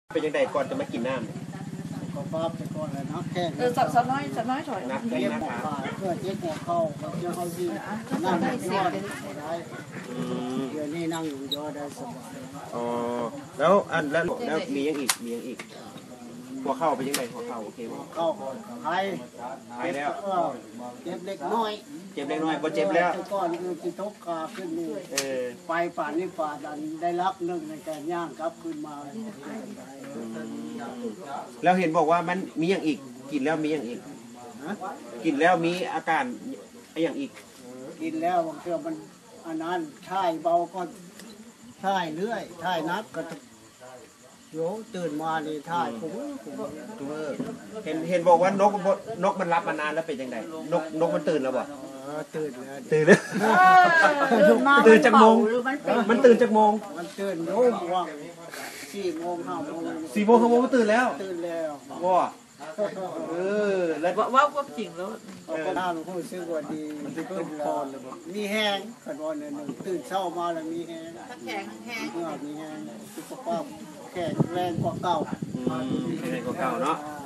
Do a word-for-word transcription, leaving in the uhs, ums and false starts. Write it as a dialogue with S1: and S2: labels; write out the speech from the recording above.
S1: เป็นยังไงก่อนจะมากินน้ำ
S2: ก็ฟ้าไปก่อนเลยนะแค่
S3: เออสักสักน้อยสักน้อยถอย
S1: นักเลี้ยงนะครับ
S2: เพื่อเจ๊หัวเข้าเจ๊เขาที่นั่งยอดได้เดี๋ยวนี้นั่งอยู่ยอดได้สบาย
S1: อ๋อแล้วอันแล้วแล้วมียังอีกมียังอีกหัวเข้าไปยังไงหัวเข้าโอเคไหม
S2: เข้าก่อนไทย
S1: ไทยแล้ว
S2: เจ็บเล็กน้อย
S1: เจ็บเล็กน้อยก็เจ็บแล้ว
S2: ก่อนคือจิตกกาขึ้นนี่ไปป่านนี้ป่าดันได้รับหนึ่งในการย่างครับขึ้นมา
S1: แล้วเห็นบอกว่ามันมีอย่างอีกกินแล้วมีอย่างอีกกินแล้วมีอาการอย่างอีก
S2: กินแล้วบางทีมันอันนั้นท่ายเบาก็ท่ายเรื่อยท่ายนักก็โยตื่นมาเลยท่ายผม
S1: ตัวเห็นเห็นบอกว่านกนกมันรับมานานแล้วเป็นยังไงนกนกมันตื่นแล้วบ่
S2: ตื่นแล้ว
S1: ตื่นแล้วตื่นจากโมงมันตื่นจากโมง
S2: มันตื่นโยมว่าสี่โมงห้าโมง
S1: สี่โมงห้าโมงมันตื่นแล้ว
S2: ตื่นแล้ว
S1: ว้าเออแล้ว
S3: ว่าก็จริงแล้ว
S2: ก็น่าหลวงพ่อซื้อว่าดีตื่นพรเลยมีแห้งขันวันหนึ่งตื่นเช้ามาแล้วมีแห้ง
S3: แข็งแห้ง
S2: เมื่อมีแห้งสุขภาพแข็งแรงกว่าเก่า
S1: แข็งแรงกว่าเก่าเนาะ